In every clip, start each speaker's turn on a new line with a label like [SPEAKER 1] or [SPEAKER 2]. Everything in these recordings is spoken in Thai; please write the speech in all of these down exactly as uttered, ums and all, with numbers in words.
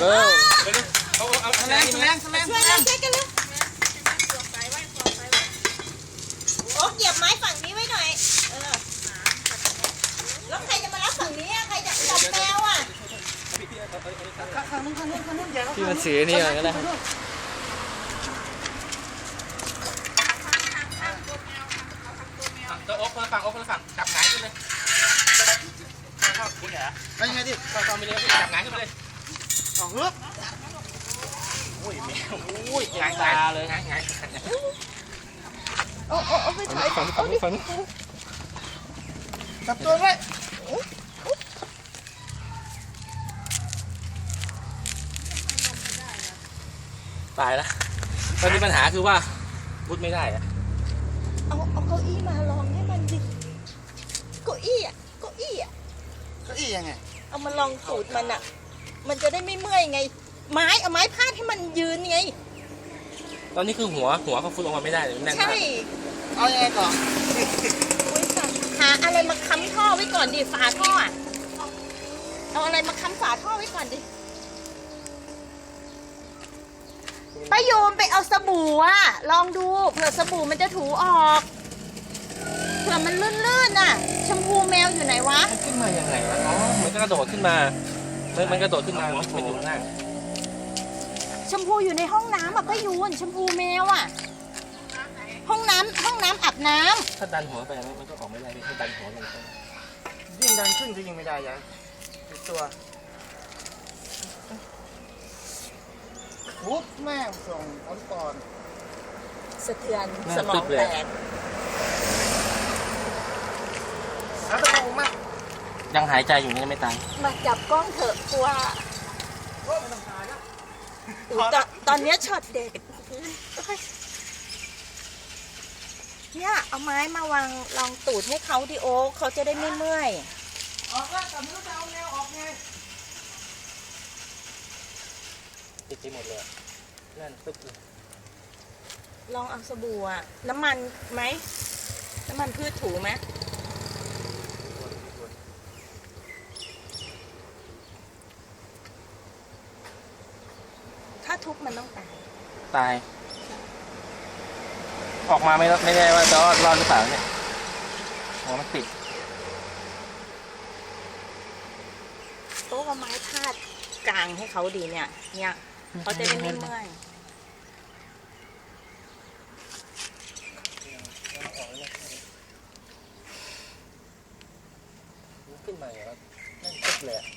[SPEAKER 1] เออ
[SPEAKER 2] เอาเอาแรงแรงแรงช่วยแรงช่วยกันเลยโอ้เหยียบไม้ฝั่งนี้ไว้หน่อยเออแล้วใครจะมารับฝั่งนี้ใครจะจับแมวอ่ะข้างนู้นข้างนู้นข้างนู้นอย่า
[SPEAKER 1] ที่มันสีนี่อะไรก็ได้
[SPEAKER 3] จะโอ๊กคนละฝั่งโอ๊กคนละฝั่งจับหงายขึ้นเลยเข้าคุณเหรอ
[SPEAKER 2] ไปยังไงดิ
[SPEAKER 3] เข้าเข้าไปเลยจับหงายขึ้นไปเลย
[SPEAKER 2] สองฮึบ
[SPEAKER 3] โอ้ยแมวโอ้ยหงายตาเลยหงายหงาย
[SPEAKER 2] โอ้โอ้โอ้ไปถอย
[SPEAKER 1] ฝั่งฝั่งฝั่ง
[SPEAKER 2] จับตัวไว้
[SPEAKER 3] ตายแล้วตอนนี้ปัญหาคือว่าพุดไม่ได้อะ
[SPEAKER 2] เอาเอาเก้าอี้มาลองให้มันดิเก้าอี้อ่ะเก้าอี้อ่ะ
[SPEAKER 4] เก้าอี้ยังไง
[SPEAKER 2] เอามาลองสูตรมันอ่ะมันจะได้ไม่เมื่อยไง ไม้เอาไม้พาดให้มันยืนไง
[SPEAKER 3] ตอนนี้คือหัวหัวเขาฟุดออกมาไม่ได้เลยมันแน่น
[SPEAKER 2] ใช่
[SPEAKER 3] มาก
[SPEAKER 4] เอายังไงต่อ
[SPEAKER 2] อุ๊ยสัตว์หาอะไรมาค้ำท่อไว้ก่อนดิฝาท่ออะเอาอะไรมาค้ำฝาท่อไว้ก่อนดิป้าโยมไปเอาสบู่อะลองดูเผื่อสบู่มันจะถูออกเผื่อมันลื่นๆน่ะชมพูแมวอยู่ไหนวะ
[SPEAKER 3] มันขึ้นมายังไงวะอ๋อมันก็กระโดดขึ้นมามันมันกระโดดขึ้นมามันอยู่ข้างล่าง
[SPEAKER 2] ชมพูอยู่ในห้องน้ำอะป้ายูนชมพูแมวอะห้องน้ำห้องน้ำอาบน้ำ
[SPEAKER 3] ถ้าดันหัวไปมันก็ออกไม่ได้ไม่ให้ดันหัวลงไป
[SPEAKER 4] ยิ่งดันขึ้นก็ยิ่งไม่ได้ยังติดตัวปุ๊บแม่งส่งผลก่อน
[SPEAKER 2] สะเทือนสมองแตก
[SPEAKER 4] หาตะปูมา
[SPEAKER 3] ยังหายใจอยู่นี่ไม่ตาย
[SPEAKER 2] มาจับกล้องเถอะกลัว
[SPEAKER 4] โอ้ไม่ต้องหาแล้ว
[SPEAKER 2] อุ๊ยตอนตอนเนี้ยช็อตเด็กเนี่ยเอาไม้มาวางรองตูดให้เขาดิโอเขาจะได้ไม่เมื่อย
[SPEAKER 4] ออกแล้วแต่ไม่รู้จะเอาแนวออกไง
[SPEAKER 3] ติดไปหมดเลยนั่นตึ๊บเลย
[SPEAKER 2] ลองเอาสบู่อะน้ำมันไหมน้ำมันพืชถูไหมถ้าทุบมันต้องตาย
[SPEAKER 3] ตาย ออกมาไม่ไม่ได้ว่าจะรอดรอดหรือเปล่าเนี่ยหัวมันติด
[SPEAKER 2] โต๊ะเอาไม้พาดกลางให้เขาดีเนี่ย เนี่ยเขาจะได้ไม่เมื่อย
[SPEAKER 3] ขึ้นมาอย่างนั้นนั่นตึ๊บเลยอะ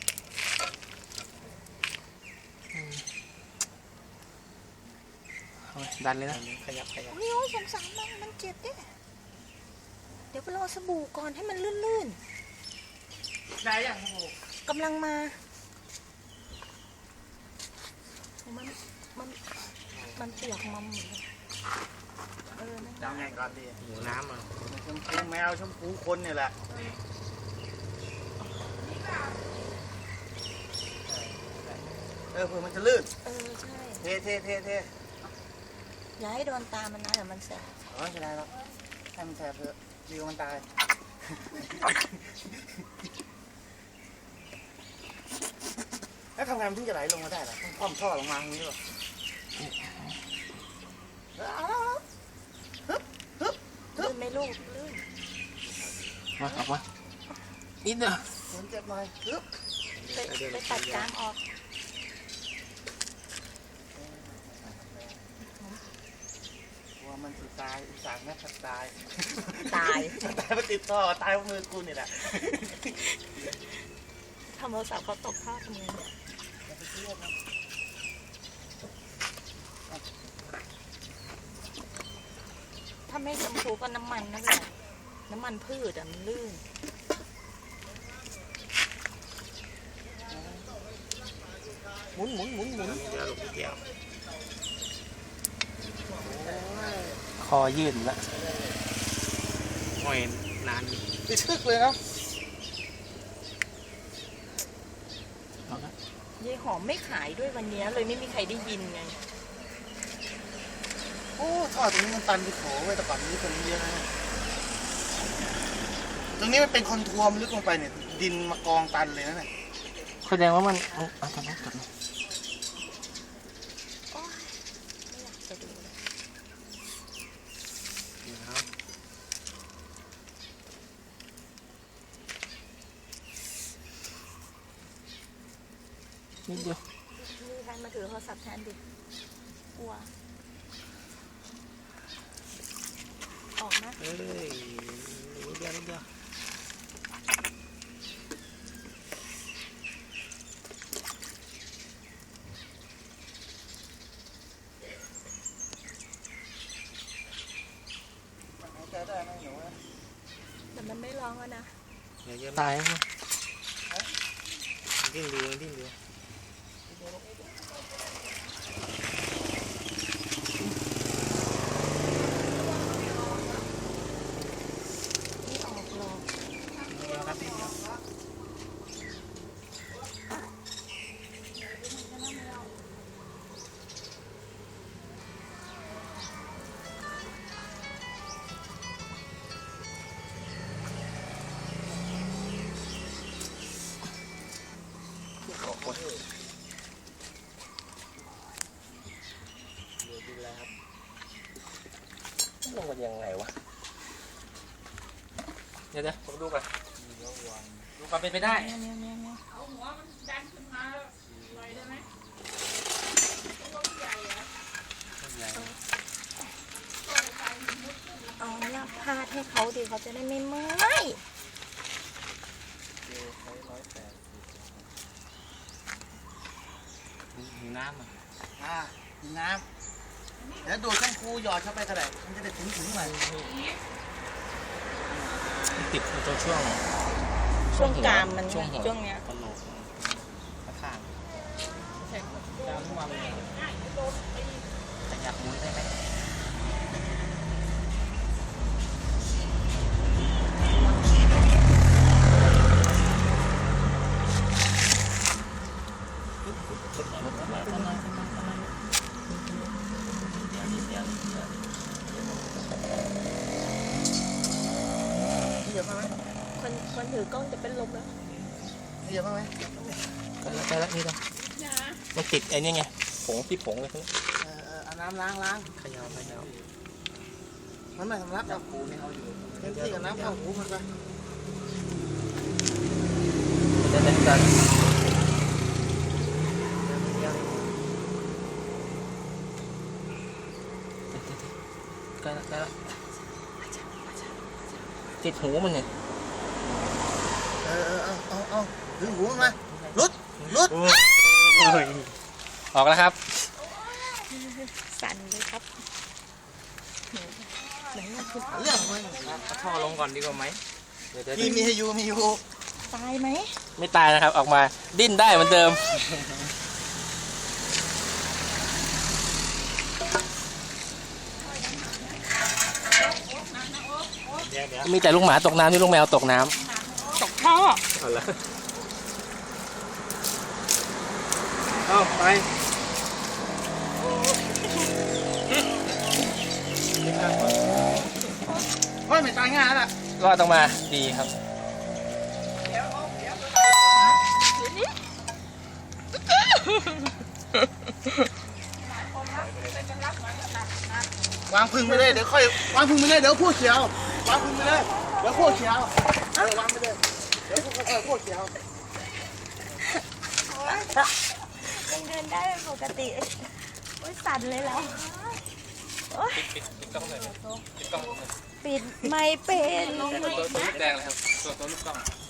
[SPEAKER 3] ดันเลยนะขยับขยับ
[SPEAKER 2] โอ้ยโอ้ยสงสารมันมันเจ็บเนี่ยเดี๋ยวไปรอสบู่ก่อนให้มันลื่น
[SPEAKER 4] ได้ยังโอ้โห
[SPEAKER 2] ๆกำลังมา มันมันมันเปียกมัมเหมือนกันเออนะ
[SPEAKER 4] จะเอาไงก่อนดี
[SPEAKER 3] หิวน้ำอ่ะ
[SPEAKER 4] ชมพูแมวชมพูคนเนี่ยแหละเออเผื่อมันจะลื่น
[SPEAKER 2] เออใช่
[SPEAKER 4] เทเทเทเท
[SPEAKER 2] อย่าให้โดนตามันนะเดี๋ยวมันแสบ
[SPEAKER 4] อ๋อไม่เป็นไรหรอกให้มันแสบเถอะดีกว่ามันตายแล้วทำไงมันถึงจะไหลลงมาได้ล่ะต้องคว่ำท่อลงมาอย่างนี้หรอเอาแล้ว
[SPEAKER 2] ลื่นไหม่ลูกลื่น
[SPEAKER 3] มาออกมานิดเดียว
[SPEAKER 4] ฝนเจ็บหน่อยปึ๊บ
[SPEAKER 2] ไปไปตัดกลางออก
[SPEAKER 4] กลัวมันสุดตายอุตส่าห์แม่ทัดตาย
[SPEAKER 2] ตาย
[SPEAKER 4] ตายมันติดท่อตายเพราะมือกูนี่แหละ
[SPEAKER 2] ทำโทรศัพท์เขาตกท่อทำไงเนี่ยถ้าไม่ชมพูก็น้ำมันนั่นแหละน้ำมันพืชอะมันลื่น
[SPEAKER 4] หมุนหมุนหมุนหมุน
[SPEAKER 3] เดี๋ยวลูกเดียวคอยืดละห้อยนาน
[SPEAKER 4] ติดชึกเลยนะ
[SPEAKER 2] ยายหอมไม่ขายด้วยวันนี้เลยไม่มีใครได้ยินไง
[SPEAKER 4] โอ้ท่อตรงนี้มันตันไปโถไว้แต่ก่อนนี้ตรงนี้เยอะนะตรงนี้มันเป็นคอนทัวร์มันลึกลงไปเนี่ยดินมากองตันเลยนะเนี่ย
[SPEAKER 3] แสดงว่ามันเอาเอาตอนนี้ก่อนนิดเดียว
[SPEAKER 2] มีใครมาถือโทรศัพท์แทนดิกลัวออกนะ
[SPEAKER 3] เอ้ยนิดเดียวนิดเดียว
[SPEAKER 4] หายใจได้ไหมหนู
[SPEAKER 2] แต่มันไม่ร้องแล้วนะ
[SPEAKER 3] เดี๋ยวจะตายนะดิ้นดูดิ้นดู
[SPEAKER 2] ไม่ออกหรอก
[SPEAKER 3] เดียวครับดิ้นเดียว ลงกันยังไงวะเดี๋ยวเดี๋ยวผมดูก่อนดูความเป็นไปได้
[SPEAKER 2] เนี่ยเนี่ยเนี่ยเนี่ย
[SPEAKER 1] เอาหัวมันดันขึ้นมาลอยได้ไหมตัวใหญ่อะ
[SPEAKER 2] เอาเนี่ยพาดให้เขาดิเขาจะได้ไม่เมื่อย
[SPEAKER 3] มีน้ำอ่ะ
[SPEAKER 4] อ่ากินน้ำแล้วดูดข้างคูหยอดเข้าไปก็ได้มันจะได้ถึงถึงหน่อย
[SPEAKER 3] ติดตัวช่วง
[SPEAKER 2] ช่วงกรามมัน
[SPEAKER 3] ช่วงหัว
[SPEAKER 2] ช่วงเนี้ย
[SPEAKER 3] กระโหลกข้างดาวทั่วเลยแต่อยากหมุนได้ไหม
[SPEAKER 4] เหยียบมาไหม
[SPEAKER 2] คนคนถือกล้องจะเป็นลมแล้ว
[SPEAKER 4] เหยียบมาไหม
[SPEAKER 3] ไปแล้วไปแล้วนี่ต้องมันติดไอ้นี่ไงผงที่ผงเลยพวกนี้
[SPEAKER 4] เออเออเอาน้ำล้างล้าง
[SPEAKER 3] ขยาวขยาว
[SPEAKER 4] มันไม่สำลักหรอก
[SPEAKER 3] ปูนี่เอาอยู่
[SPEAKER 4] เต็มที่กับน้ำเข้าหูมันไป
[SPEAKER 3] เดี๋ยวเดี๋ยวเดี๋ยวใกล้แล้วใกล้แล้วติดหูมันเนี่ย
[SPEAKER 4] เออเออเอาเอาเอาดึงหูมันมาลุดลุด
[SPEAKER 3] ออกแล้วครับ
[SPEAKER 2] สั่นเลยครับเหมือนมันคือ
[SPEAKER 4] หาเรื่องมัน
[SPEAKER 3] เอาท่อลงก่อนดีกว่าไหมเดี๋ยวเดี๋ยว
[SPEAKER 4] มีมีให้อยู่มีอยู่
[SPEAKER 2] ตายไหม
[SPEAKER 3] ไม่ตายนะครับ ออกมาดิ้นได้เหมือนเดิม มีแต่ลูกหมาตกน้ำนี่ลูกแมวตกน้ำ
[SPEAKER 2] ตกท่อ
[SPEAKER 3] เอาละเอาไป
[SPEAKER 4] โอ้ยไม่ตายง่ายแล้วล่ะ
[SPEAKER 3] รอดออกมาดีครับ
[SPEAKER 4] วางพึ่งไปเลยเดี๋ยวค่อยวางพึ่งไปเลยเดี๋ยวพูดเขียววางพึ่งไปเลยเดี๋ยวพูดเขียวเออวางไปเลยเดี๋ยวพูดค่อยๆพูดเขียว
[SPEAKER 2] ยังเดินได้เป็นปกติโอ้ยสั่นเลยแล้วโอ๊ย
[SPEAKER 3] ปิดปิดกล้องเลยปิดกล้อง
[SPEAKER 2] ปิดไม่เป็น
[SPEAKER 3] ตัวตัวลูกแดงเลยครับตัวตัวลูกกล้อง